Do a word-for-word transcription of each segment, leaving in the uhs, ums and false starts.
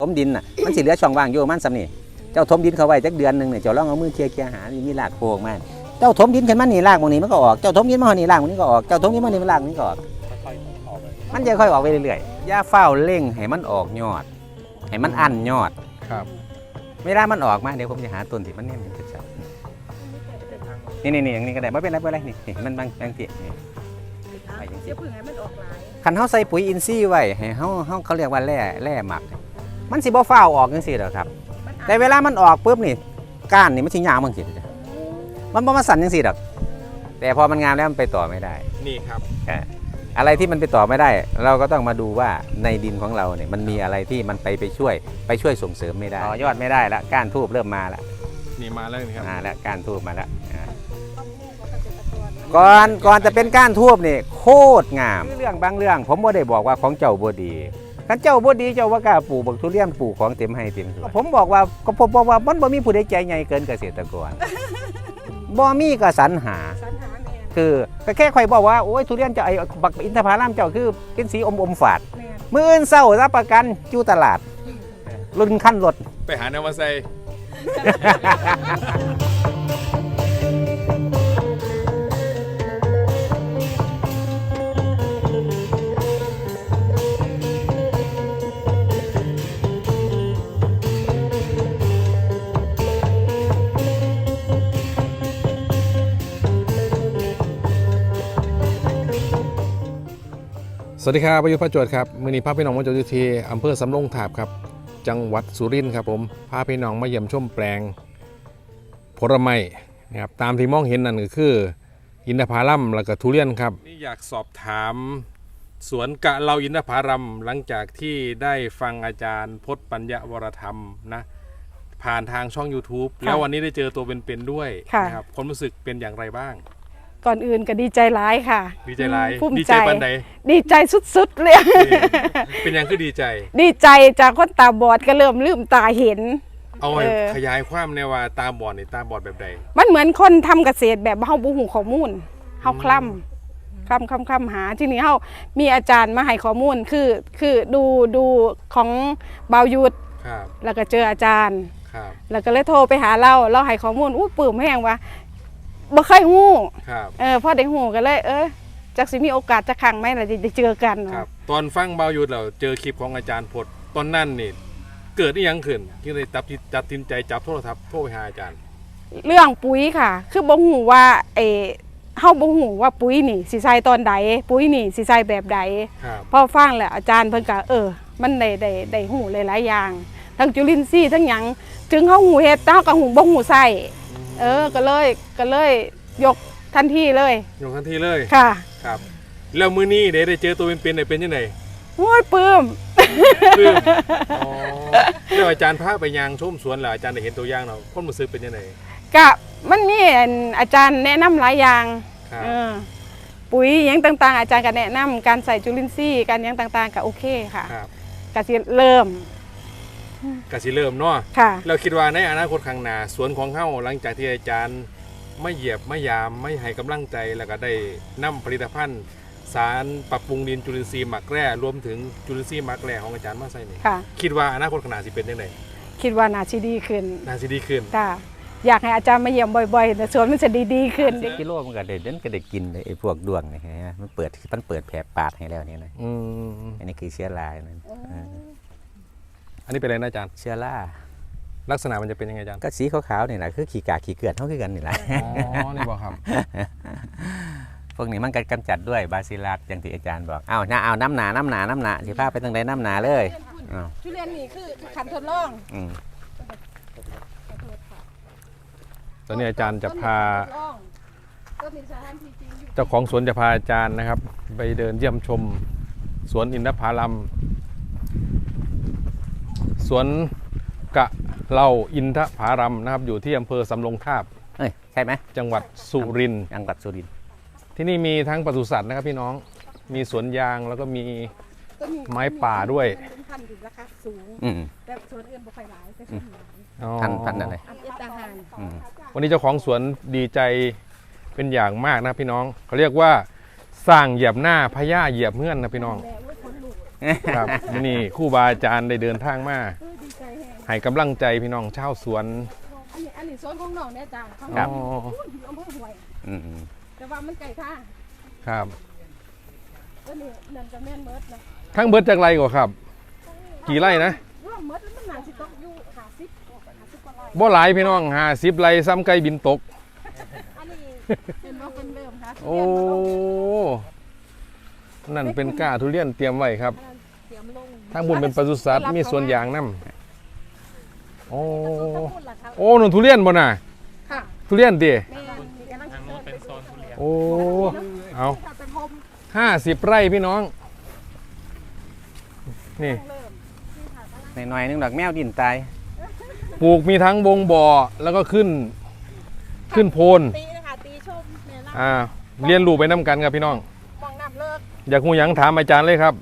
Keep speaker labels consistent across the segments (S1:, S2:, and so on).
S1: ถมดินน่ะมันสิเหลือช่องว่างอยู่มันซ้ำนี่เจ้าถมดินเข้าไว้จักเดือนนึงเนี่ยเจ้าลองเอามือเคลียร์ๆหามีรากโผล่มาเจ้าถมดินขึ้นมานี่รากบางนี้มันก็ออกเจ้าถมดินมาหนี่รากบางนี้ก็ออกเจ้าถมดินมานี่มันรากนี้ก็ออกมันจะค่อยออกไปเรื่อยๆอย่าเฝ้าเร่งให้มันออกยอดให้มันอั้นยอด
S2: ครับ
S1: เวลามันออกมาเดี๋ยวผมจะหาต้นที่มันเนี่ยมันจะนี่นี่นี่อย่างนี้ก็ได้ไม่เป็นไรไม่เป็นไรนี่นี่มันบางบางทีนี่ไปอย่างนี้คันเขาใส่ปุ๋ยอินทรีย์ไว้ให้เขาเขาเขาเรียกว่าแร่แร่หมักมันสิบ่ฟ้าวออกจังซี่หรอกครับแต่เวลามันออกปุ๊บนี่ก้านนี่มันสิยาวบางทีมันบ่มาสั่นจังซี่หรอกแต่พอมันงามแล้วมันไปต่อไม่ได้
S2: นี่ครับ
S1: อะไรที่มันไปต่อไม่ได้เราก็ต้องมาดูว่าในดินของเราเนี่ยมันมีอะไรที่มันไปไปช่วยไปช่วยส่งเสริมไม่ได้ต่อยอดไม่ได้ละก้านทูบเริ่มมาละ
S2: นี่มาแล้วนี่ครับ
S1: มาแล้วก้านทูบมาแล้วก่อนก่อนจะเป็นก้านทูบนี่โคตรงามเรื่องบางเรื่องผมบ่ได้บอกว่าของเจ้าบ่ดีคันเจ้าบ่ดีเจ้าว่ากล้าปลูกบักทุเรียนปลูกของเต็มให้เต็มสวนผมบอกว่าก็ผมบอกว่ามันบ่มีผู้ใดใจใหญ่เกินเกษตรกรบ่มีก็สรรหาคือก็แค่ค่อยบอกว่าโอ้ยทุเรียนเจ้าไอ้บักอินทผลัมเจ้าคือเป็นสีอมอมฝาดมื้ออื่นเช้ารับประกันอยู่ตลาดรุ่นขั้นรถ
S2: ไปหาแนวมาใส่สวัสดีครับประยุทธ์พระจวดครับมือนี้พาพี่น้องมาจอดอยู่ที่อำเภอสำโรงทาบครับจังหวัดสุรินทร์ครับผมพาพี่น้องมาเยี่ยมชมแปลงผลไม้นะครับตามที่มองเห็นนั่นก็คืออินทผลัมแล้วก็ทุเรียนครับนี่อยากสอบถามสวนกะเราอินทผลัมหลังจากที่ได้ฟังอาจารย์พจน์ปัญญาวรธรรมนะผ่านทางช่อง ยูทูบ แล้ววันนี้ได้เจอตัวเป็นๆด้วยนะครับความรู้สึกเป็นอย่างไรบ้าง
S3: ก่อนอื่นก็ดีใจร้ายค่ะ
S2: ดีใจร้าย
S3: ดีใจ
S2: ปันใด
S3: ดีใจสุดๆเลย
S2: เป็นยังคือดีใจ
S3: ดีใจจากคนตาบอดก็เริ่มลืมตาเห็น
S2: เอาขยายความในว่าตาบอดนี่ตาบอดแบบใด
S3: มันเหมือนคนทำเกษตรแบบเฮาบ่ฮู้ข้อมูลเฮาคล่ำคล่ำคล่ำคล่ำหาทีนี้เฮามีอาจารย์มาให้ข้อมูลคือคือดูดูของเบายุทธแล้วก็เจออาจารย์แล้วก็เลยโทรไปหาเราเราให้ข้อมูลอู้ปลื้มแห้งว่าบ่เคยฮู้เออพอได้ฮู้กันเลยเออจักสิมีโอกาสจะครั้งไหมล่ะจะเจอกัน
S2: ครับตอนฟังเบายุทธเราเจอคลิปของอาจารย์พจน์ตอนนั้นนี่เกิดอีหยังขึ้นที่เลยตัดตัดสินใจจับโทรศัพท์โทรไปหาอาจารย์
S3: เรื่องปุ๋ยค่ะคือบ่ฮู้ว่าเอเฮาบ่ฮู้ว่าปุ๋ยนี่สิใส่ตอนใดปุ๋ยนี่สิใส่แบบใดพอฟังแล้วอาจารย์เพิ่นก็เออมันได้ได้ได้ฮู้หลายๆอย่างทั้งจุลินทรีย์ทั้งหยังถึงเฮาฮู้เฮ็ดแต่เฮาก็ฮู้บ่ฮู้ใส่เออก็เลยก็เลยยกทันทีเลย
S2: ยกทันทีเลย
S3: ค่ะ
S2: ครับแล้วมื้อนี้ได้ได้เจอตัวเป็นๆได้เป็นยังไง
S3: โอ้ยปลื้ม
S2: ปลื้มอ๋อแล้วอาจารย์พาไปยางชมสวนแล้วอาจารย์ได้เห็นตัวอย่างเนาะความรู้สึกเป็นยังไง
S3: ก็มันมีอาจารย์แนะนำหลายอย่างเออปุ๋ยอย่างต่างๆอาจารย์ก็แนะนำการใส่จุลินทรีย์การอย่างต่างๆก็โอเคค่ะก็สิเริ่ม
S2: ก็สิเริ่มเนาะเราคิดว่าในอนาคตข้างหน้าสวนของเฮาหลังจากที่อาจารย์ไม่เหยียบไม่ยามไม่ให้กำลังใจแล้วก็ได้นำผลิตภัณฑ์สารปรับปรุงดินจุลินทรีย์หมักแร่รวมถึงจุลินทรีย์หมักแร่ของอาจารย์มาใส่นี่คิดว่าอนาคตข้างหน้าสิเป็นยังไง
S3: คิดว่าน่าสิดีขึ้น
S2: น่าสิดีขึ้น
S3: ค่ะอยากให้อาจารย์มาเยี่ยมบ่อยๆแต่สวนมันจะดีๆขึ้น
S1: กิโลมันก็ได้เด่นก็ได้กินไอ้พวกดวงนี่ฮะมันเปิดมันเปิดแผลปาดให้แล้วนี่นะอันนี้คือเชื้อรานั่น
S2: อันนี้เป็นอะไรนะอาจารย์
S1: เชื้อรา
S2: ลักษณะมันจะเป็นยังไงอาจารย์
S1: ก็สีขาวๆนี่แหละคือขี้กากขี้เกลือนเท่ากันนี่แหละ
S2: อ๋อนี่บอกครับ
S1: พวกนี้มันกำจัดด้วยบาซิลัสอย่างที่อาจารย์บอกอ้าวน้าเอาน้ำหนาน้ำหนาน้ำหนาสิพาไปทางใดน้ำหนาเลย
S3: ทุเรียนนี่คือขันทดลอง
S2: ตอนนี้อาจารย์จะพาเจ้าของสวนจะพาอาจารย์นะครับไปเดินเยี่ยมชมสวนอินทผลัมสวนกะเราอินทผลัมนะครับอยู่ที่อำเภอสำโรงทาบ
S1: ใช่ไหม
S2: จังหวัดสุรินทร์
S1: จังหวัดสุรินทร์
S2: ที่นี่มีทั้งปศุสัตว์นะครับพี่น้องมีสวนยางแล้วก็มีไม้ป่าด้วย
S3: พันธุ์ราคาสูงแต่สวนอื่นบ่ค่อยหลายแต่
S1: พันพันอะไร
S2: วันนี้เจ้าของสวนดีใจเป็นอย่างมากนะพี่น้องเขาเรียกว่าสร้างเหยียบหน้าพญาเหยียบเงื่อนนะพี่น้องครับนี่ครูบาอาจารย์ได้เดินทางมาให้กำลังใจพี่น้องชาวสวน
S3: อันนี้อันนี้โซนของน้องเนี่ยจ้ะของ
S1: ครั
S3: น้อบ ง
S2: อ๋อ
S3: อยู่อำเภอห้วย
S1: อืม
S3: แต่ว่ามันไก่ท่า
S2: ครับ
S3: อันนี้นั่นก็แม่นเมิดนะ
S2: ทั้งเบิดจากไรก่อนครับ กี่ไร่นะ
S3: รวมเมิดแล้วมันน่าสิตกอยู่ห้าสิบห้าสิบกว่าไร่
S2: บ่หลายพี่น้องห้าสิบไร่ซ้ำไก่บินตก
S3: อันนี้เป็นว่าเป็นเริ่มค่ะ
S2: โอ้นั่นเป็นก้าทุเรียนเตรียมไว้ครับ
S3: เตรียมลง
S2: ทางบนเป็นปศุสัตว์มีสวนยางน้ำโอ้
S3: ทั้งหมดล่ะครับ
S2: โอ้หนุนทุเรียนบ่น่ะ
S3: ค่ะ
S2: ทุเรียนดิ
S3: แม่มีกำลังทางโน้นเป็นโซนทุเรียน
S2: โอ้เอา
S3: เป็นโฮม
S2: ห้าสิบไร่พี่น้อง นี่
S3: เริ่มที่ผ่านมา
S1: หน่อยๆนึงดอกแมวดินตาย
S2: ปลูกมีทั้งบงบ่อแล้วก็ขึ้นขึ้นโพน
S3: ตีนะคะตีชมเนี่ยนะ
S2: อ่าเรียนรู้ไปน้ำกันครับพี่น้อง
S3: มองน้ำเลิก
S2: อยากหูหยังถามอาจารย์เลยครับ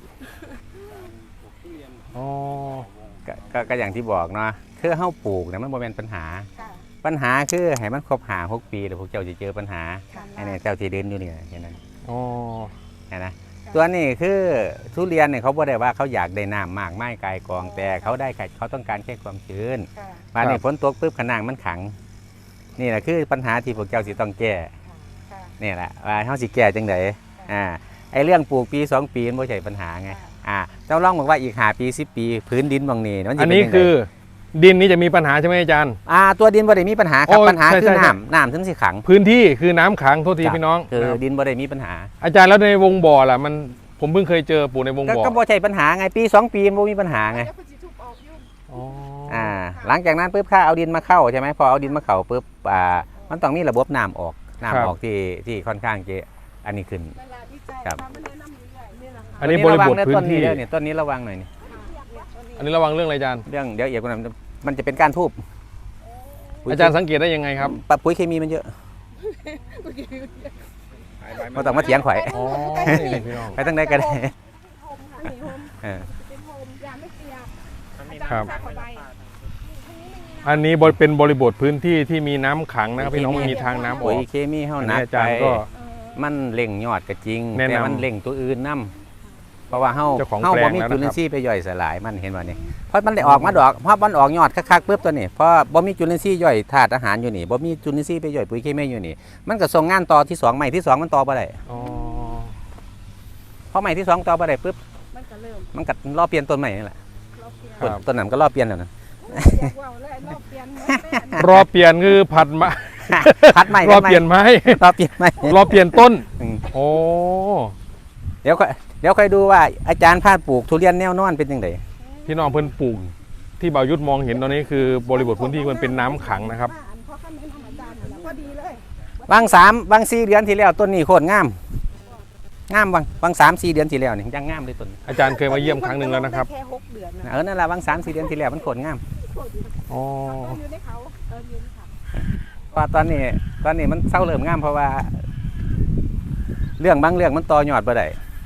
S2: อ๋อ
S1: ก็ก็ก็อย่างที่บอกเนาะคือเฮาปลูกเนี่ยมันบ่แม่นปัญหา
S3: ค่ะ
S1: ปัญหาคือให้มันครบห้าหกปีแล้วพวกเจ้าจะเจอปัญหา
S3: ค่ะ
S1: ไอ้เนี่ยเจ้าที่เดินอยู่นี่แค่นั้น
S2: อ๋อ
S1: เห็นนะตัวนี้คือทุเรียนเนี่ยเขาบ่ได้ว่าเขาอยากได้น้ำมากไม้กายกองแต่เขาได้แค่เขาต้องการแค่ความชื้น
S3: ค่ะ
S1: มาเนี่ยฝนตกปุ๊บขนางมันขัง นี่แหละคือปัญหาที่พวกเจ้าสิต้องแก้
S3: ค่ะ
S1: นี่แหละว่าเขาสิแก้จังไดอ่าไอ้เรื่องปลูกปีสองปีมันบ่ใช่ปัญหาไงอ่าเจ้าลองบอกว่าอีกห้าปีสิบปีพื้นดินบางนี่มันสิ
S2: อัน
S1: เป็
S2: นี้
S1: จังใด
S2: คือดินนี้จะมีปัญหาใช่ไหมอาจารย์
S1: อ่าตัวดินบ่ได้มีปัญหาครับ
S2: โอ้
S1: ปัญหา
S2: ใช่
S1: คือ
S2: ใช่
S1: น้ำน้ำถึงสิขัง
S2: พื้นที่คือน้ำขังโทษทีพี่น้อง
S1: คือ
S2: นะครับ
S1: ดินบ่ได้มีปัญหา
S2: อาจารย์แล้วในวงบ่อล่ะมันผมเพิ่งเคยเจอปลูกในวง
S1: ก็
S2: บ่อ
S1: ก็บ่ใช่ปัญหาไงปีสองปีมันบ่มีปัญหาไง
S3: เดี๋ยวคุณสิทุบออกอยู่
S2: อ๋อ
S1: อ่าหลังจากนั้นปุ๊บข้าเอาดินมาเข้าใช่ไหมพอเอาดินมาเข้าปุ๊บอ่ามันต้องมีระบบน้ำออกน้ำออกที่ที่ค่อนข้างจะอันนี้ขึ้น
S3: เวลาที่ใจ
S1: ครับ
S3: ทำมันแนะนำอยู่ใหญ่เนี่ยนะคะ
S2: อันนี้บริบทพื้นที่
S1: ต้นนี้เนี่ยต้นนี้ระวังหน่อยนี่
S2: อันนี้ระวังเรื่องอะไรอาจารย์
S1: เรื่องเดี๋ยวเอียกว่านั้นมันจะเป็นการทูบ
S2: อาจารย์สังเกตได้ยังไงครับ
S1: ปะปุ๋ยเคมีมันเยอะมาต้องมาเถียงข่อย
S2: อ๋อนี่พี่น้อง
S1: ไปตั้งได้กัน
S3: โฮมค่ะนี่โฮม
S1: เออ
S3: เป็นโฮมยาไม่เปียก
S2: ครับ
S3: อาจารย์ใส่เข้าไป
S2: อันนี้บริเป็นบริบทพื้นที่ที่มีน้ำขังนะครับพี่น้องมันมีทางน้ำอ
S1: ปุ๋
S2: อย ก
S1: เคมีเฮา
S2: อัน
S1: หนั
S2: นี้
S1: ก
S2: อา
S1: ไป
S2: จารย์ก็
S1: มันเล่งยอดก็จริง
S2: แนะนำ
S1: แต่มันเล่งตัวอื่นนํเพราะว่าเฮา
S2: เจ้าของ
S1: เฮา
S2: แปล
S1: บ่
S2: ง
S1: มี
S2: แล้ว
S1: จุ
S2: นะครับ
S1: ลินทรีย์ไปย่อยสลายมันเห็นบ่นี่เพราะมันได้ออกมาดอกเพราะมันออกยอดคักๆปุ๊บตัวนี้เพราะบ่มีจุลินทรีย์ย่อยธาตุอาหารอยู่นี่บ่มีจุลินทรีย์ไปย่อยปุ๋ยเคมีอยู่นี่มันก็ส่งงานต่อที่สองใหม่ที่สองมันต่อบ่ได้
S2: อ๋อ
S1: พอใหม่ที่สองต่อบ่ได้ปุ๊บ
S3: มันก็เริ่ม
S1: มันก็รอเปลี่ยนต้นใหม่นี่แหละ
S3: เราเปลี่ยน
S2: ครับ
S1: ต้นนั้นก็รอเปลี่ยนแล้วนะ
S3: อยากว่าวเลยเราเปลี่ยนหมดแม่
S2: รอเปลี่ยนคือผัดมา
S1: พัดใหม่
S2: รอเปลี่ยนไม้
S1: รอเปลี่ยนใหม่
S2: รอเปลี่ยนต้น
S1: อืม
S2: โอ้
S1: เดี๋ยวค่อยเดี๋ยวค่อยดูว่าอาจารย์พาดปลูกทุเรียนแนวนอนเป็นยังไง
S2: พี่น้องเพิ่นปลูกที่บ่าวยุทธมองเห็นตอนนี้คือบริบทพื้นที่มันเป็นน้ำขังนะครับ
S3: อันพ่อขั้นแนะนำอาจารย์อยู่แล้วพอดีเลย
S1: บางสามบางสี่เดือนที่แล้วต้นนี้โคตรงามงามบางบางสามสี่เดือนที่แล้วนี่ยังงามเลยต้น
S2: อาจารย์เคยมาเยี่ยมครั้งหนึ่งแล้วนะครับ
S3: แค่หกเดือนนะ
S1: เออนั่นแหละบางสามสี่เดือนที่แล้วมันโคตรงาม
S2: อ๋อ
S3: อยู่ในเขาเอออยู่ในเขา
S1: เพราะตอนนี้ตอนนี้มันเศร้าเริ่มงามเพราะว่า เรื่องบางเรื่องมันต่อยอดบ่ได้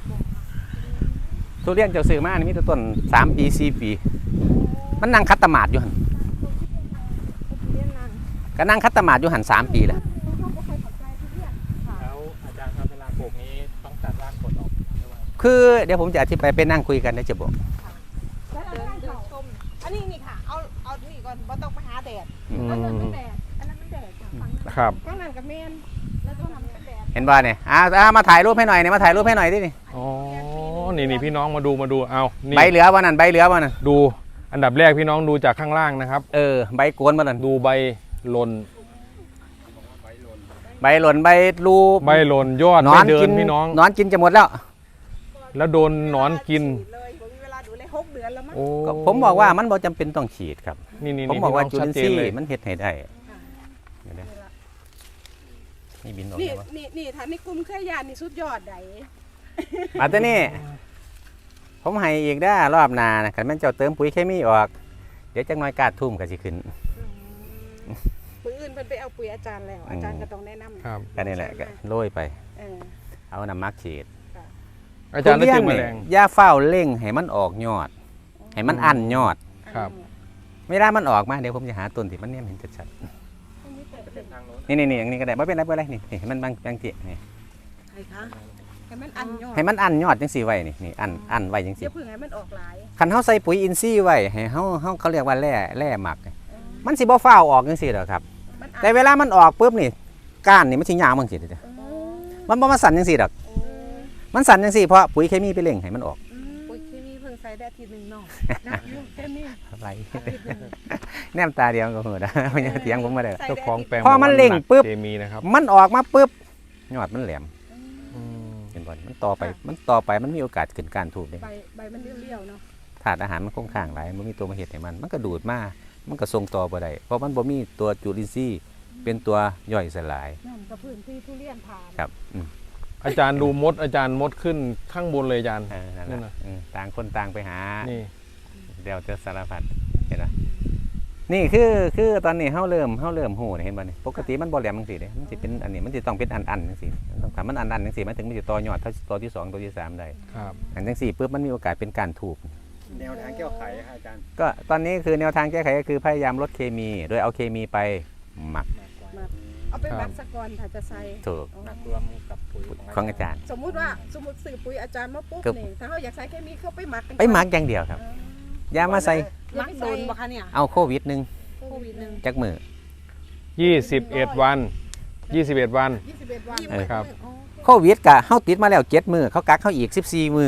S1: ทุเรียนเจ้าซื้อมานี่มีแต่ต้นสามปีสี่ปี มันนั่งคัดตะหมาดอยู่หัน
S3: เรียนนาน
S1: ก็นั่งคัดตะหมาดอยู่หันสามปีแล้ว
S3: เขาก็เคยสนใจทุเรียนค่ะ
S4: แล้วอาจารย์ครับเวลาปลูกนี้ต้องตัดรากกดออกด้วยไหม
S1: คือเดี๋ยวผมจะอธิบายไปนั่งคุยกันได้จะบอก
S3: แล้วเราได้เขาชมอันนี้นี่ค่ะเอาเอานี่ก่อนว่าต้องไปหาแดด
S2: อื
S3: อันนั้นมัน
S2: ม
S3: แดดอันนั้นมันแดดค่ะฝั่งนั้น
S2: ครับ
S3: ฝั่งนั้นกับเมนแล้วก็ทำเป็นแดด
S1: เห็นบ่เนี่ยอ่าอ่ามาถ่ายรูปให้หน่อยเนี่ยมาถ่ายรูปให้หน่อยดินี่
S2: อ๋อ นี่นี่พี่น้องมาดูมาดู เอานี่
S1: ใบเหลือวันนั้นใบเหลือวันนั้น
S2: ดู อันดับแรกพี่น้องดูจากข้างล่างนะครับ
S1: เออใบโกนวันนั้น
S2: ดูใบหล่น
S1: ใบหล่นใบรู
S2: ใบหล่นยอด
S1: หนอ
S2: ไม่
S1: น
S2: เดิ
S1: กิ
S2: น
S1: น
S2: พี่น้อง
S1: หนอนกินจะหมดแล้ว
S2: แล้วโดนหนอนกิน
S3: เลยผมมีเวลาดูเลยหกเดือนแล้วมั้ง
S2: โอ้
S1: ก็ผมบอกว่ามันบ่จำเป็นต้องฉีดครับ
S2: นี่นี่
S1: ผม
S2: นี่
S1: บอกว่า
S2: พี่
S1: จุ
S2: น้อง
S1: ลิ
S2: ชัด
S1: น
S2: เจ
S1: ท
S2: น
S1: รี
S2: เลย
S1: ย์มันเฮ็ดให้ได้เดี๋ยวนะนี่บินออก
S3: นี่
S1: เลยวะ
S3: นี่นี่ถ้าในกลุ่มเครือญาตินี่สุดยอดได
S1: มาตัวนี้ผมให้อีกได้อรอบหนานะคันแม่นเจ้าเติมปุ๋ยเคมีออก เดี๋ยวจักหน่อยกาดทุ่มก็สิขึ้น
S3: มืออื่นเพิ่นไปเอาปุ๋ยอาจารย์แล้ว อาจารย์ก็ต้องแนะนำ
S2: ครับ
S1: ก็นี่แหละก็โรยไป
S3: เออ
S1: เอาน้ำมักฉีด
S2: อาจารย์ได้
S1: ทุ
S2: เจ
S1: เรี
S2: อยแม
S1: น
S2: ล
S1: นี่
S2: ง
S1: อย่าเฝ้าเร่งให้มันออกยอด ให้มันอั้นยอด
S2: ครับ
S1: ไม่ได้มันออกมาเดี๋ยวผมจะหาต้นที่มันเนี่ยเห็นชัด
S3: อันนี้เปิดเป็น
S4: ทางโน้น
S1: ๆนี่นี่นี่อย่างนี้ก็ได้ไม่เป็นไรไม่เป็นไรนี่นี่มันบางบางทีนี่
S3: ใครคะให้มันอันยอด
S1: ให้มันอันยอดจังซี่ไว้นี่นี่อันอันไว้จังซี่
S3: เดี๋ยวเพิ่งให้มันออกหลาย
S1: คันเฮาใส่ปุ๋ยอินทรีย์ไว้ให้เฮาเฮาเขาเรียกว่าแร่แร่หมัก มันสิบ่ฟ้าวออกจังซี่ดอกครับ
S3: มันอัน
S1: แต่เวลามันออกปุ๊บนี่ก้านนี่มันสิยาวจังซี่เด้อ
S3: เออ
S1: มันบ่มาสั่นจังซี่ดอก
S3: โอ้
S1: มันสั่นจังซี่เพราะปุ๋ยเคมีไปเร่งให้มันออก
S3: อืม
S5: ปุ๋ยเคมีเพิ่งใส่ได้อาทีหนึ่งเนาะ
S3: นักอยู่แค่นี้
S1: อะไร แนมตาเดียวก็ฮู้นะมันจะเถียงผมบ่ได้
S2: เจ้าของแปลง
S1: พอมันเร่ง
S2: หก
S1: ปุ๊บ
S2: เคมีนะครับ
S1: มันออกมาปุ๊บยอดมันแหลม
S2: อืม
S1: เห็นบ่มันต่อไปมันต่อไปมันมีโอกาสขึ้นการถูกเด้
S3: ใบใบมันเลี้ยวๆเนาะ
S1: ธาตุอาหารมันคงค้างหลายมันมีตัวมาเฮ็ดให้มัน มันก็ดูดมามันก็ส่งต่อบ่ได้เพราะมันบ่มีตัวจุลินทรีย์เป็นตัวย่อยสลาย
S3: นั่นกับพื้นที่ทุเรียนผ่าน
S1: ครับอืม
S2: อาจารย์ดูมดอาจารย์มดขึ้นข้างบนเลยอาจารย์
S1: เออนั่น
S2: นั่น
S1: แห
S2: น่ะ
S1: ละอืมต่างคนต่างไปหา
S2: นี่
S1: เดี๋ยวเจอสารพัดเห็นไหมนี่คือคือตอนนี้เฮาเริ่มเฮาเริ่มหูนี่เห็นบ่นี่ปกติมันบ่แหลมจังซี่เด้มันสิเป็นอันนี้มันสิต้องเป็นอันอันๆจังซี่มันต้องถ้ามันอันอันๆจังซี่มันถึงมันสิต่อยอดเท่าตัวที่สองตัวที่สามได้
S2: ครับ
S1: อันจังซี่ปุ๊บมันมีโอกาสเป็นการถูก
S4: แนวทางแก้ไขครับอาจารย์
S1: ก็ตอนนี้คือแนวทางแก้ไขก็คือพยายามลดเคมี โดยเอาเคมีไปหมัก
S3: เอาไปมักสะกอนถ้าจะใส่
S1: ถูก
S4: หนักรวมกับปุ๋ย
S1: ของอาจารย์
S3: สมมุติว่าสมมุติซื้อปุ๋ยอาจารย์มาปุ๊บ
S1: ครับ
S3: นี่ถ้าเขาอยากใส่เคมีเขาไปหมักกัน
S1: ไปหมักอย่างเดียวครับ
S3: เออ
S1: อย่ามาใส่
S5: มักโดนปะคะเนี่ย
S1: เอาโควิดหนึง
S5: โควิดหนึ่ง
S1: จักมือ
S2: ยี่สิบเอ็ดวันยี่สิบเอ็ดวัน
S3: ยี่สิบเอ็ดวัน
S1: เออ
S2: ครับ
S5: อ๋อ
S1: โควิดกะเฮาติดมาแล้วเจ็ดมื้อเขากักเฮาอีกสิบสี่มื้อ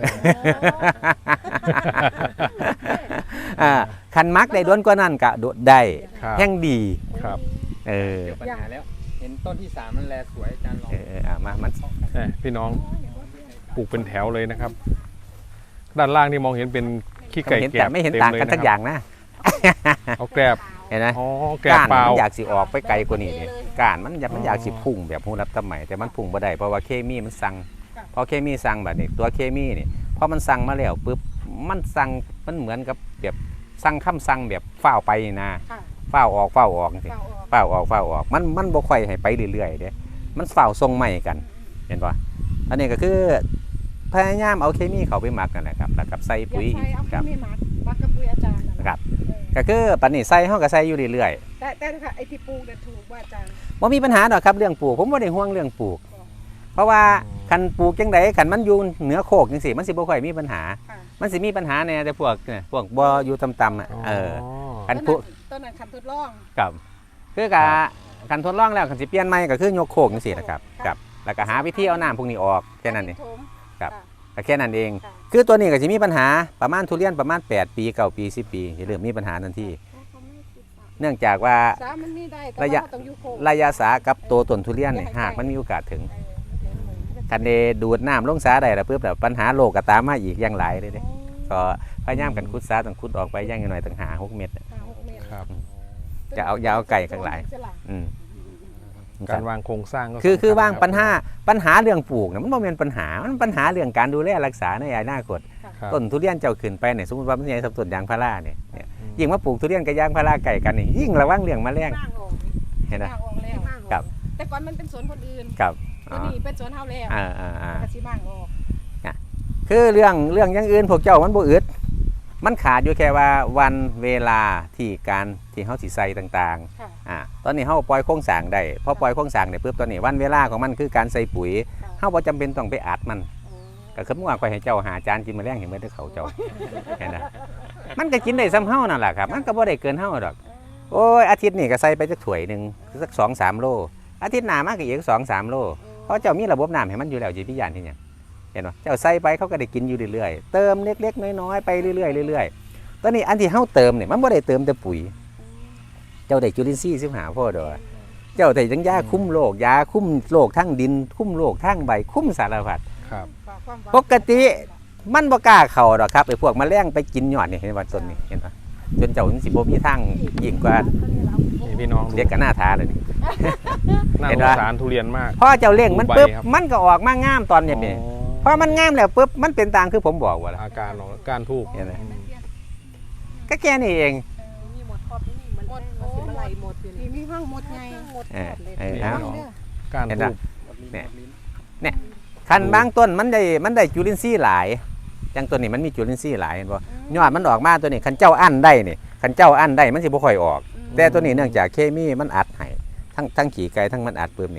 S1: อ่าคันมักได้ด้วนกว่านั้นกะโดดได้
S2: ครับ
S1: แห่งดี
S2: ครับ
S1: เออ
S4: เกี่ยวปัญหาแล้ว เห็นต้นที่สามมันแลสวยอาจารย์ลอง
S1: เออเอออ่ะมามัน
S2: เอ้ยพี่น้องปลูกเป็นแถวเลยนะครับ ด้านล่างนี่มองเห็นเป็นขี้ไก่
S1: เห็น
S2: แก
S1: แต่
S2: บ
S1: ไม่เห็น
S2: ต็
S1: ต่าง
S2: ล
S1: กันสัก
S2: ะครับ
S1: อย่างนะ
S2: เอาแกรบ
S1: เห็นไหม
S2: อ๋อแกรบ
S1: ก้าน
S2: เปล่า
S1: มันอยากสิออกไปไกลกว่านี้นี่ก้านมันอยากมันอยากสิพุ่งแบบหูรับตำไหมแต่มันพุ่งบ่ได้เพราะว่าเคมีมันสั่งพอเคมีสั่งแบบนี้ตัวเคมีนี่พอมันสั่งมาแล้วปุ๊บมันสั่งมันเหมือนกับแบบสั่งคำสั่งแบบฝ้าวไปนี่นะ
S3: ค่ะ
S1: ฝ้าวออกฝ้าวออกจังซี่
S3: เปล่าออก
S1: ฝ้าวออกฝ้าวออกมันมันบ่ค่อยให้ไปเรื่อยๆเด้มันฝ้าวทรงใหม่กัน เห็นป่ะอันนี้ก็คือพยายามเอาเคมีเข้าไปหมักนั่นแหละครับแล้วกับใส่
S3: อยาก
S1: ปุ๋ย
S3: ใส่เอาเค
S1: ครับ
S3: มีหมักหมักกับปุ๋ยอาจารย์นั่นแหละ
S1: ครับ
S3: เออ
S1: ก็คือปันนี้ใส่เฮาก็ใส่อยู่เรื่อย
S3: แต่แต่ถ้าไอ้ที่ปลูกเนี่ยถูกว่าอาจารย์
S1: ๆบ่มีปัญหาดอกครับเรื่องปลูกผมบ่ได้ห่วงเรื่องปลูก เพราะว่าคันปลูกจังไดคันมันอยู่เหนือโคกจังซี่มันสิบ่ค่อยมีปัญหา
S3: ค่ะ
S1: มันสิมีปัญหาแน่แต่พวกเนี่ยพวกบ่อยู่ต่ำๆอ่ะเออ อัน
S3: ต้น
S1: ปลูก
S3: ต้นนั้นคันทดลอง
S1: กับคือกะคันทดลองแล้วคันสิเปลี่ยนใหม่ก็คือยกโคกจังซี่นะครับกับแล้วก็หาวิธีเอาน้ำพวกนี้ออกแค่นั้นเอง
S3: ถม
S1: ครับ
S3: ะ
S1: ก็แค่นั้นเอง
S3: ค่ะ
S1: คือตัวนี้ก็จะมีปัญหาประมาณทุเรียนประมาณแปดปีเก้าปีสิบปีจะเริ่มมีปัญหาทันทีเนื่องจากว่า
S3: สามมันมีได้แต่
S1: ระยะ
S3: ว่าเราต้องอยู่โคก
S1: ระยะสากับตัวต้นทุเรียนเนี่ยหากมันมีโอกาสถึงคันเดดูดน้ำลงสาได้แล้วปุ๊บแบบปัญหาโลกก็ตามมาอีกอย่างหลายเลยเด้ก็พยายามกันคุดสาต้องคุดออกไปอย่างหน่อยตั้งหาหกเมตร
S3: ห้าหกเมตร
S2: ครับ
S1: จะเอาอยาเอาไก่ข้างหลาย อืม
S2: การวางโครงสร้างก็
S1: คือ
S2: สำญ
S1: คือวาง
S2: รับ
S1: ปัญหาปัญหาเรื่องปลูกเนี่ยมันบ่แม่นปัญหา มันปัญหาเรื่องการดูแลรักษาในอนาคต
S2: ครับ
S1: ต้นทุเรียนเจ้าขึ้นไปเนี่ยสมมติว่ามันใหญ่สับต้นยางพาราเนี่ยเนี่ย
S2: อืม
S1: ยิ่งมาปลูกทุเรียนกับยางพาราไก่กันนี่ยิ่งระวังเรื่องแมลง
S5: มากออก
S1: เห็นไหม
S3: มากออกแล้ว
S5: มากออก
S1: ครับ
S3: แต่ก่อนมันเป็นสวนคนอื่น
S1: ครับ
S3: ตัวนี้เป็นสวนเฮาแล้ว
S1: อ่าอ่าอ่า
S3: กระชิมางออก
S1: คือเรื่องเรื่องอย่างอื่นพวกเจ้ามันบ่อึดมันขาดอยู่แค่ว่าวันเวลาที่การที่เฮาสิใส่ต่าง
S3: ค่ะ
S1: ๆอ่าตอนนี้เฮาปล่อยโครงสร้างได้พอปล่อยโครงสร้างได้ปุ๊บตอนนี้วันเวลาของมันคือการใส่ปุ๋ย
S3: ค่ะ
S1: เฮาบ่จำเป็นต้องไปอัดมัน
S3: โอ้
S1: ก็คือเมื่อวานข่อยให้เจ้าหาจานกินแมลงเห็นไหมเด้อเขาเจ้า เห็นนะมันก็กินได้ซ้ำเฮานั่นแหละครับมันก็บ่ได้เกินเฮาดอกโอ้ยอาทิตย์นี้ก็ใส่ไปจักถ้วยหนึงสักสองสามโลอาทิตย์หน้ามาก็อีกสองสามโลเพราะเจ้ามีระบบน้ำให้มันอยู่แล้วสิพิยานที่หยังเห็นบ่เจ้าใส่ไปเขาก็ได้กินอยู่เรื่อยๆเติมเล็กๆน้อยๆไปเรื่อยๆเรื่อยๆตอนนี้อันที่เฮาเติมเนี่ยมันบ่ได้เติมแต่ปุ๋ย เจ้าได้จุลินทรีย์สิบห้าพอดอกเจ้าได้ทั้งยาคุ้มโรคยาคุ้มโรคทั้งดิน คุ้มโรคทั้งใบคุ้มสารพัด
S2: ครับ
S3: ฝากความหวัง
S1: ปกติมันบ่กล้าเข้าดอกครับไอ้พวกแมลงไปกินยอดนี่เห็นว่าต้นนี้เห็นป่ะจนเจ้าถึงสิบ่มีทางยิ่งกว่า
S2: นี่พี่น้องดู
S1: เรียกกันหน้าท้าเลยนี่
S2: น่า
S1: เห็น
S2: ส
S1: ปะ
S2: งสารทุเรียนมาก
S1: พอเจ้าเล่งมันปุ๊บ
S2: ใบครับ
S1: มันก็ออกมางามตอนเนี่ยนี่
S2: อ๋อ
S1: พอมันงามแล้วปุ๊บมันเป็นตางคือผมบอกว่าล่ะ
S2: อาการของการทูบ
S1: เห็นไหม
S2: อืม
S1: ก็แค่นี้เอง
S5: มีหมดครอบที่นี่มัน
S3: หมด
S5: มันสิมาไหลหมดอยู่
S3: นี่
S5: นี่
S3: มีห้างหมดไง
S5: หมด
S1: เออ
S5: เลย
S1: เออ
S2: นี่
S1: เอา
S2: พี่น้องการ
S1: เห็น
S2: ทู
S1: ปะ
S2: บ
S1: เนี่ย คันบางต้นมันได้มันได้จุลินทรีย์หลายอย่างตัวนี้มันมีจุลินทรีย์หลายเห็นบ่ยอดมันออกมาตัวนี้คันเจ้าอั้นได้นี่คันเจ้าอั้นได้มันสิบ่ค่อยออก แต่ตัวนี้เนื่องจากเคมีมันอัดให้ทั้งทั้งขี่ไก่ทั้งมันอัดปื้มนี่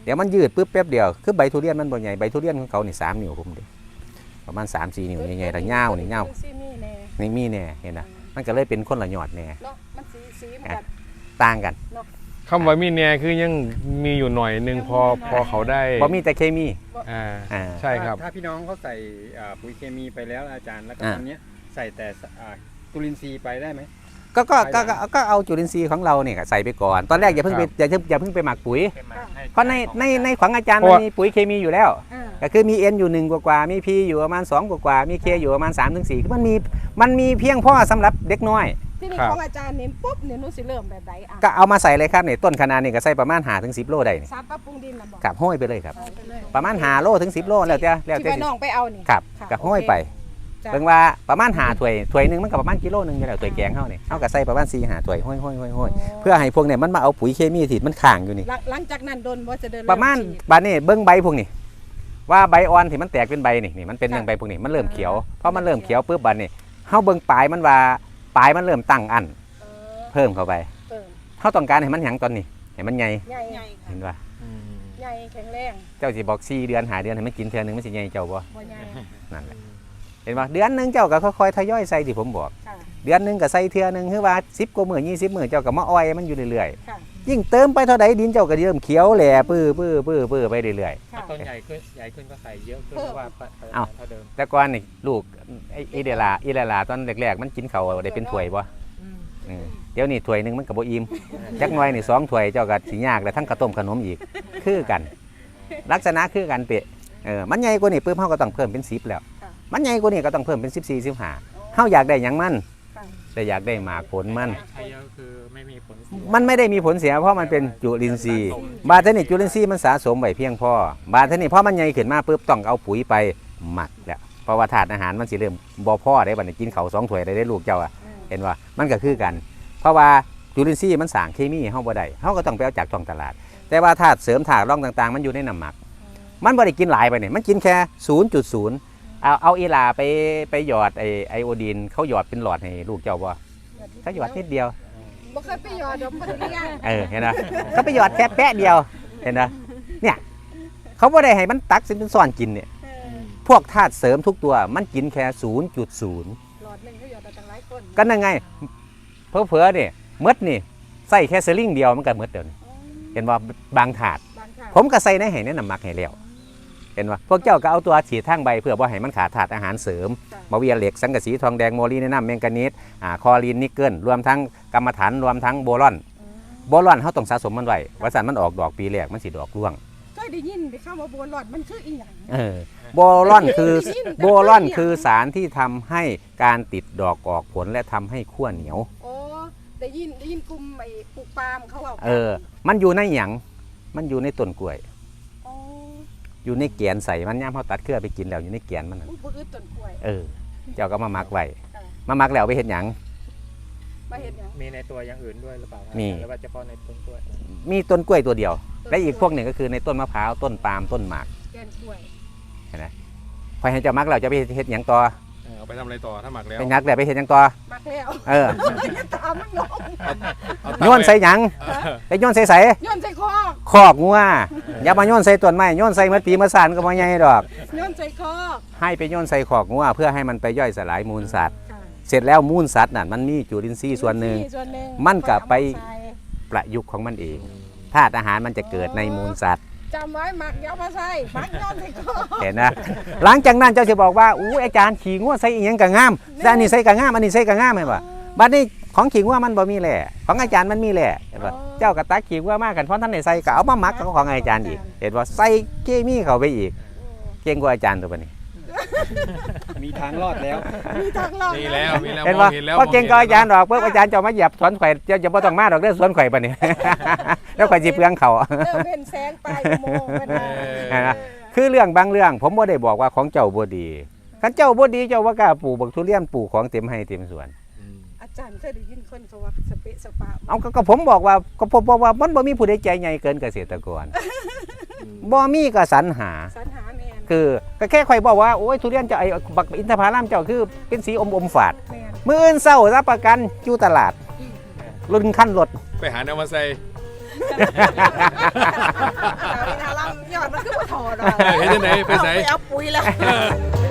S1: เดี๋ยวมันยืดปุ๊บแป๊บเดียวคือใบทุเรียนมันบ่ใหญ่ใบทุเรียนของเขานี่สามนิ้วผมดิประมาณ สามสี่ นิ้วใหญ่ๆแล้วยาวนี่ยาว
S3: ซีมีแน่
S1: นี่มีแน่เห็นนะมันก็เลยเป็นคนละยอดแน่
S3: เนาะมันสีสีเหมือนกัน
S1: ต่างกัน
S2: คำว่ามีแน่คือยังมีอยู่หน่อยหนึงพอพอเขาได้
S1: บ่มีแต่เคมี
S2: อ่า
S1: อ่า
S2: ใช่ครับ
S4: ถ้าพี่น้องเขาใส่อ่าปุ๋ยเคมีไปแล้วอาจารย์แล้วก็
S1: อ่า
S4: ตอนเนี้ยใส่แต่อ่าจุลินทรีย์ไปได้ไหม
S1: ก็ก็ก็ก็ก็เอาจุลินทรีย์ของเราเนี่ยใส่ไปก่อนตอนแรกอย่าเพิ่งไป
S2: ครับ
S1: อย่าเพิ่งอย่าเพิ่งไปหมักปุ๋ย
S4: เป็นมาให้
S1: เพราะในในในของอาจารย์
S2: เพ
S1: มัน
S2: ราะว่า
S1: มีปุ๋ยเคมีอยู่แล้ว
S3: อ่า
S1: ก็คือมี N อยู่หนึ่งกว่าๆมี P อยู่ประมาณสองกว่าๆมี K อยู่ประมาณสามถึงสี่คือมันมีมันมีเพียงพอสำหรับเด็กน้อย
S3: ที่นี่
S2: ครับ
S3: ของอาจารย์นี่ปุ๊บเนี่ยหนูสิเริ่มแบบใดอ่ะ
S1: ก็เอามาใส่เลยครับเนี่ยต้นคะนานี่ก็ใส่ประมาณห้าถึงสิบโลได้นี่
S3: สารปรับปรุงดินน่ะบอก
S1: กับห้อยไปเลยครับ
S3: เอาไปเลย
S1: ประมาณห้าโลถึงสิบโลแล้วแต่แล้ว
S3: ที่
S1: แต่
S3: ว่าน้องไปเอานี่
S1: ครับ
S3: ค่ะ
S1: กับห้อย
S3: โอเค
S1: ไป
S3: จ้ะ
S1: เบิ่งว่าประมาณห้าถ้วยถ้วยหนึงมันก็ประมาณกิโลหนึงอยู่แล้วถ้วยแกงเฮานี่เฮาก็ใส่ประมาณสี่ห้าถ้วยห้อยๆๆๆเพื่อให้พวกเนี่ยมันมาเอาปุ๋ยเคมีที่มันค้างอยู่นี่
S3: หลังหลังจากนั้นโดนว่าจะเดิน
S1: ประมาณ
S3: เฉีด
S1: บานนี้เบิ้งใบพวกนี้ว่าใบอ่อนที่มันแตกเป็นใบนี่นี่มันเป็นอย่างใบพวกนี้มันเริ่มเขียวเพราะมันเริ่มเขียวปุ๊บบานนี้เฮาเบิ้งปลายมันว่าปลายมันเริ่มตั้งอัน
S3: เออ
S1: เพิ่มเข้าไป
S3: เติม
S1: เฮาต้องการให้มันหยังตอนนี้ให้มันใหญ่
S3: ใหญ่
S5: ใหญ่
S1: เห็นป่ะ
S3: ใหญ่แข็งแรง
S1: เจ้าสิบอกสี่เดือนหาเดือนให้มันกินเทื่อนึงมันสิใหญ่เจ้าบ่
S3: บ่ใหญ่
S1: นั่นแหละเห็นป่ะเดือนหนึงเจ้าก็ค่อยๆทยอยใส่ที่ผมบอก
S3: ค่ะ
S1: เดือนหนึงก็ใส่เทื่อนึงคือว่าสิบกว่ามื้อยี่สิบมื้อเจ้าก็มาอ้อยมันอยู่เรื่อย
S3: ค่ะ
S1: ๆยิ่งเติมไปเท่าใดดินเจ้าก็เริ่มเขียวแหล่ปื้อปื้อปื้อปื้อไปเรื่อยๆ
S3: ค่ะ
S4: ต้นใหญ่ขึ้นใหญ่ขึ้นก็ใส่เยอะขึ้น
S3: เพิ่ม
S4: เพราะว่าปริ
S1: เอ้า
S4: มาณเท่าเดิม
S1: แต่ก่อนนี่ลูกไอ้อีเดลาอีเดลาตอนแรกๆมันกินเขาวได้เป็นถ้วยบ่เออเดี๋ยวนี้ถ้วยหนึงมันก็บ่อิ่มจักหน่อยนี่สองถ้วยเจ้าก็สิยากแล้วทั้งข้าวต้มขนมอีกคือกัน ลักษณะคือกันเปะเออมันใหญ่กว่านี่ปุ๊บเฮาก็ต้องเพิ่มเป็นสิบแล้ว
S3: ค่ะ
S1: มันใหญ่กว่านี่ก็ต้องเพิ่มเป็นสิบสี่ สิบห้าเฮาอยากได้หยังมัน
S3: ค่ะ
S1: แต่อยากได้หมากผลมัน
S4: ใช้เยอะคือไม่มีผลเสีย
S1: มันไม่ได้มีผลเสียเพราะมันเป็นจุลินทรีย์บาดเทนี่จุลินทรีย์มันสะสมไว้เพียงพอบาดเทนี่พอมันใหญ่ขึ้นมาปุ๊บต้องเอาปุ๋ยไปหมักแล้วเพราะว่าธาตุอาหารมันสิเริ่มบ่พอได้บัดนี้กินเขาวสองถ้วยได้ได้ลูกเจ้าอะ
S3: อืม
S1: เห็นว่ามันก็คือกัน เพราะว่าจุลินทรีย์มันสร้างเคมีให้เฮาบ่ได้เฮาก็ต้องไปเอาจากท้องตลาด แต่ว่าธาตุเสริมธาตุรองต่างๆ มันอยู่ในน้ำหมัก มันบ่ได้กินหลายไปเนี่ยมันกินแค่ ศูนย์จุดศูนย์ เอาเอาอีหลาไปไปหยอดไอไอโอดีนเขาหยอดเป็นหลอดให้ลูกเจ้าบ่เขาหยอดนิดเดียว
S3: บ่เคยไปหยอดดอกบ่ได้ยัง
S1: เออเห็นนะเขาไปหยอดแค่แปะเดียวเห็นนะเนี่ยเขาบ่ได้ให้มันตักสิเป็นซ่อนกินเนี่ย
S3: เออ
S1: พวกธาตุเสริมทุกตัวมันกินแค่ ศูนย์จุดศูนย์
S3: หลอดหนึงเขาหยอดได้ตั้งหลายคน
S1: ก็นั่นไงเผลอๆเนี่ยมดนี่ใส่แค่สลิงเดียวมันก็หมดเดี๋ยวนี้เห็นว่าบางถาด
S3: บางค่ะ
S1: ผมก็ใส่ในให้ในน้ำหมักให้แล้วเห็นว่าพวกเจ้าก็เอาตัวฉีดทางใบเพื่อว่าให้มันขาดธาตุอาหารเสริมมาเวียเหล็กสังกะสีทองแดงโมลีแนะนำแมงกานีสอ่าคอลีนนิกเกิลรวมทั้งกรรมฐานรวมทั้งโบรอนโบรอนเขาต้องสะสมมันไว้ว่าสันมันออกดอกปีแรกมันสิดอกร่วง
S3: เคยได้ยินไปคำว่าบัวหลอดมันคืออีหยัง
S1: เออโบรอนคือโบรอนคือสารที่ทำให้การติดดอกออกผลและทำให้ขั้วเหนียว
S3: โอ้ได้ยินได้ยินกลุ่มไอ้ปลูกปาล์มเขาเอา
S1: เออ มันอยู่ในหยังมันอยู่ในต้นกล้วย
S3: อ๋อ
S1: อยู่ในแกนใส่มันย่ามเขาตัดเครือไปกินแล้วอยู่ในแกนมันนั่น
S3: อุ้ยบ่อึดต้นกล้วย
S1: เออ เจ้าก็มามักไว้
S3: ค่ะ
S1: มามักแล้วเอาไปเห็นหยัง
S3: มาเฮ็ดหยัง
S4: มีในตัวอย่างอื่นด้วยหรือเปล่าครับ
S1: มี
S4: หรือว่าเฉพาะในต้นกล้วย
S1: มีต้นกล้วยตัวเดียว และอีกพวกหนึ่งก็คือในต้นมะพร้าวต้นปาล์มต้นหมาก
S3: แกนกล้วย
S1: พอให้เจ้ามักแล้วจะไปเห็ดหยังต่อ
S2: เออเอาไปทำอะไรต่อถ้าหมักแล้ว
S1: ไปงักแล้วไปเห็ดหยังต่อ
S3: มักแล้ว
S1: เออ
S3: ตามมันน้อง
S2: เอา
S1: โยนใส่หยังไปโยนใส่ใส่
S3: โยนใส่คอ
S1: คอกงัวอย่ามาโยนใส่ต้นไม้โยนใส่มะปีมะสานก็บ่ใหญ่ดอก
S3: โยนใส่คอ
S1: ให้ไปโยนใส่คอกงัวเพื่อให้มันไปย่อยสลายมูลสัตว์
S3: ค่ะ
S1: เสร็จแล้วมูลสัตว์น่ะมันมีจุลินทรีย์ส่วนหนึ่ง
S3: ส่วนหนึ่ง
S1: มันก็ไป
S3: เอามาใส่
S1: ประยุกต์ของมันเองธาตุอาหารมันจะเกิดในมูลสัตว์
S3: จำไว้หมักเดี๋ยวเอามาใส่หมักโยนใส่คอ
S1: เห็นนะหลังจากนั้นเจ้าจะบอกว่าอู้อาจารย์ขี่งัวใส่อีหยังกะงามแต่อันนี้ใส่กะงามอันนี้ใส่กะงามเห็นป่ะบัดนี้ของขี่งัวมันบ่มีแหล่ของอาจารย์มันมีแหล่เห็นป่ะเจ้ากระตักขี่งัวมากกันเพราะท่านได้ใส่ก็เอามาหมักกับของอาจารย์อีกเห็นป่ะใส่เคมีเข้าไปอีกเก่งกว่าอาจารย์ตัวบัดนี้
S4: มีทางรอดแล้ว
S3: มีทางรอด
S2: มีแล้วมีแล้ว
S1: เห็น
S2: มอ
S1: ป่ะ
S2: งเห็นแล้ว
S1: พอเก่งกว่าอาจารย์
S2: ม
S1: ดอกเพิ่อาจารย์จะมาเหยียบสวนข่อยเจ้าจะบ่ต้องมาดอกเด้อสวนข่อยบัดนี้ แล้วข่อยสิเปลืองเขา
S3: เริ่มเป็นแสงปลายอุโมงค์เป็น
S1: เห็นไหม คือเรื่องบางเรื่องผมบ่ได้บอกว่าของเจ้าบ่ดีคันเจ้าบ่ดีเจ้าว่ากล้าปลูกบักทุเรียนปลูกของเต็มให้เต็มสวน
S3: อาจารย์เคยได้ยินคนเขาว่าสเปะสปะ
S1: เอาก็ก็ผมบอกว่าก็ผมบอกว่ามันบ่มีผู้ใดใจใหญ่เกินเกษตรกรบ่มีก็สรรหา
S3: สรรหาแมน
S1: คือก็แค่ข่อยบอกว่าโอ้ยทุเรียนเจ้าไอ้บักอินทผลัมเจ้าคือเป็นสีอมอมๆฝาด
S3: แมน
S1: มื้ออื่นเช้ารับประกันอยู่ตลาดรุ่นขั้นรถ
S2: ไปหาแนวมาใส่
S5: แต่วินาลัมยอดมันคือบ่ถอดอ่ะ
S2: เห็นจังไหนไปไส
S5: เอาไปเอาปุ๋ยแล้ว